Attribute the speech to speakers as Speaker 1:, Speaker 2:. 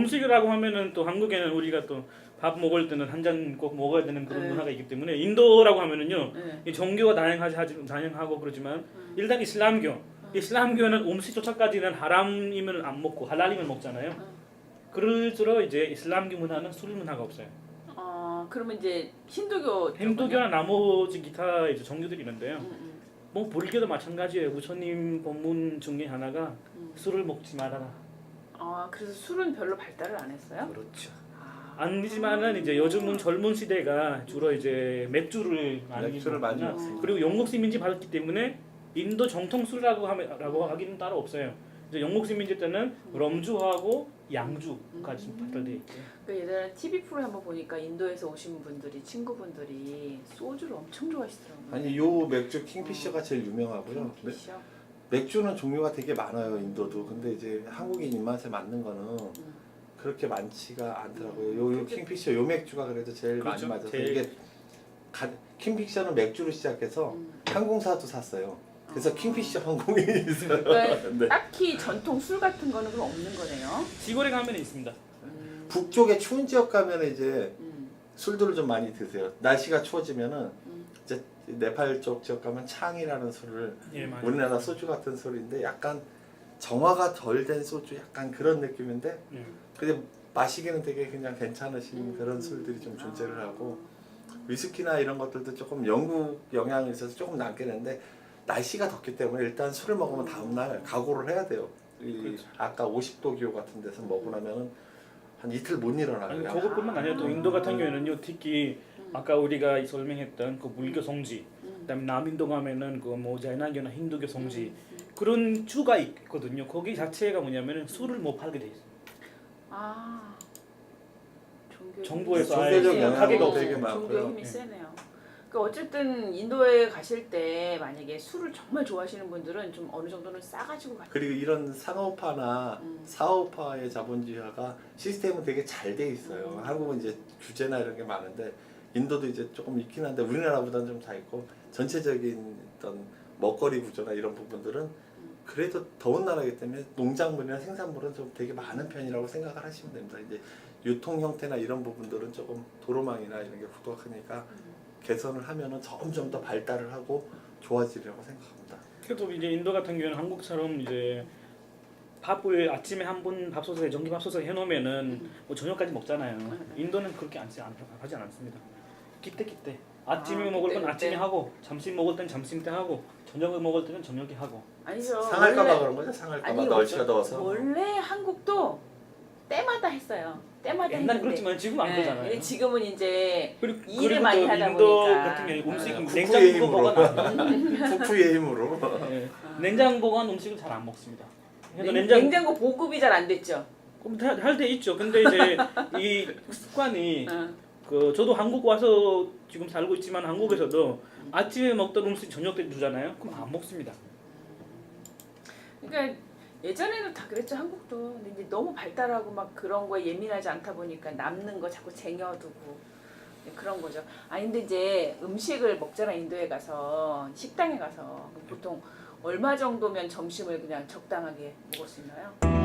Speaker 1: 음식이라고 하면은 또 한국에는 우리가 또 밥 먹을 때는 한 잔 꼭 먹어야 되는 그런
Speaker 2: 네.
Speaker 1: 문화가 있기 때문에 인도라고 하면은요
Speaker 2: 네.
Speaker 1: 이 종교가 다양하고 그러지만 일단 이슬람교는 음식조차까지는 하람이면 안 먹고 할랄이면 먹잖아요. 그럴수록 이제 이슬람교 문화는 술 문화가 없어요.
Speaker 2: 그러면 이제 힌두교
Speaker 1: 힌두교나 나머지 기타 이제 종교들이 있는데요. 뭐 불교도 마찬가지예요. 부처님 법문 중에 하나가 술을 먹지 말아라.
Speaker 2: 그래서 술은 별로 발달을 안 했어요?
Speaker 1: 그렇죠. 아니지만은 이제 요즘은 젊은 시대가 주로 이제 맥주를 많이
Speaker 3: 먹습니다.
Speaker 1: 그리고 영국 시민지 받았기 때문에 인도 정통 술이라고 하기는 따로 없어요. 이제 영국 시민지 때는 럼주하고 양주까지 발달돼 있고.
Speaker 2: 그 예전에 TV 프로에 한번 보니까 인도에서 오신 분들이 친구분들이 소주를 엄청 좋아하시더라고요.
Speaker 3: 아니 요 맥주 킹피셔가 제일 유명하고요.
Speaker 2: 킹피셔?
Speaker 3: 맥주는 종류가 되게 많아요 인도도. 근데 이제 한국인 입맛에 맞는 거는 그렇게 많지가 않더라고요. 요 킹피셔 요 맥주가 그래도 제일
Speaker 1: 그렇죠.
Speaker 3: 많이 맞아서
Speaker 1: 제일...
Speaker 3: 이게 킹피셔는 맥주로 시작해서 항공사도 샀어요. 그래서 킹피셔 항공인이 있어요.
Speaker 2: 그러니까
Speaker 3: 네.
Speaker 2: 딱히 전통 술 같은 거는 그럼 없는 거네요.
Speaker 1: 시골에 가면 있습니다.
Speaker 3: 북쪽에 추운 지역 가면 이제 술들을 좀 많이 드세요. 날씨가 추워지면은 이제 네팔 쪽 지역 가면 창이라는 술을 우리나라 소주 같은 술인데 약간 정화가 덜 된 소주 약간 그런 느낌인데 근데 마시기는 되게 그냥 괜찮으신 그런 술들이 좀 존재를 하고 위스키나 이런 것들도 조금 영국 영향이 있어서 조금 남긴 했는데 날씨가 덥기 때문에 일단 술을 먹으면 다음날 각오를 해야 돼요.
Speaker 1: 그렇죠.
Speaker 3: 아까 50도 기후 같은 데서 먹고 나면은 한 이틀 못 일어나요.
Speaker 1: 그것뿐만 아니라 또 인도 같은 경우에는요 특히 아까 우리가 설명했던 그 불교 성지, 그다음에 남인도 가면은 그 뭐 자이나교나 힌두교 성지 그런 주가 있거든요. 거기 자체가 뭐냐면은 술을 못 팔게 돼 있어요. 정부에서
Speaker 3: 종교적
Speaker 1: 가게가
Speaker 3: 영향도 되게
Speaker 1: 없어요.
Speaker 3: 많고요.
Speaker 2: 종교의 힘이 세네요. 그러니까 어쨌든 인도에 가실 때 만약에 술을 정말 좋아하시는 분들은 좀 어느 정도는 싸가지고 가요.
Speaker 3: 그리고 이런 상업화나 사업화의 자본주의화가 시스템은 되게 잘 돼 있어요. 한국은 이제 규제나 이런 게 많은데 인도도 이제 조금 있긴 한데 우리나라보다는 좀 다 있고 전체적인 어떤 먹거리 구조나 이런 부분들은 그래도 더운 나라이기 때문에 농작물이나 생산물은 좀 되게 많은 편이라고 생각을 하시면 됩니다. 이제 유통 형태나 이런 부분들은 조금 도로망이나 이런 게 부족하니까 개선을 하면은 점점 더 발달을 하고 좋아지리라고 생각합니다.
Speaker 1: 그래도 이제 인도 같은 경우는 한국처럼 이제 밥을 아침에 한 번 밥솥에 전기밥솥에 해놓으면은 뭐 저녁까지 먹잖아요. 인도는 그렇게 하지 않습니다. 그때 아침에 먹을 건 아침에 하고 점심 먹을 땐 점심 때 하고 저녁을 먹을 때는 저녁에 하고.
Speaker 2: 아니죠.
Speaker 3: 상할까봐 그런 거죠? 상할까봐 날씨가 더워서.
Speaker 2: 원래 한국도 때마다 했어요. 때마다
Speaker 1: 옛날
Speaker 2: 했는데.
Speaker 1: 그렇지만 지금 안 그러잖아요.
Speaker 2: 지금은 이제
Speaker 1: 그리고
Speaker 2: 일을 많이 하다
Speaker 1: 인도
Speaker 2: 보니까
Speaker 1: 같은 경우 음식
Speaker 3: 쿠쿠의
Speaker 1: 냉장고
Speaker 3: 힘으로.
Speaker 1: 보관
Speaker 3: 쿠쿠의 힘으로.
Speaker 1: 냉장 보관 음식을 잘 안 먹습니다.
Speaker 2: 냉장고 보급이 잘 안 됐죠.
Speaker 1: 할 때 있죠. 근데 이제 이 습관이 그 저도 한국 와서 지금 살고 있지만 한국에서도 아침에 먹던 음식 저녁 때 주잖아요. 그럼 안 먹습니다.
Speaker 2: 그러니까 예전에는 다 그랬죠. 한국도. 근데 이제 너무 발달하고 막 그런 거에 예민하지 않다 보니까 남는 거 자꾸 쟁여두고 그런 거죠. 근데 이제 음식을 먹잖아. 인도에 가서 식당에 가서 보통 얼마 정도면 점심을 그냥 적당하게 먹을 수 있나요?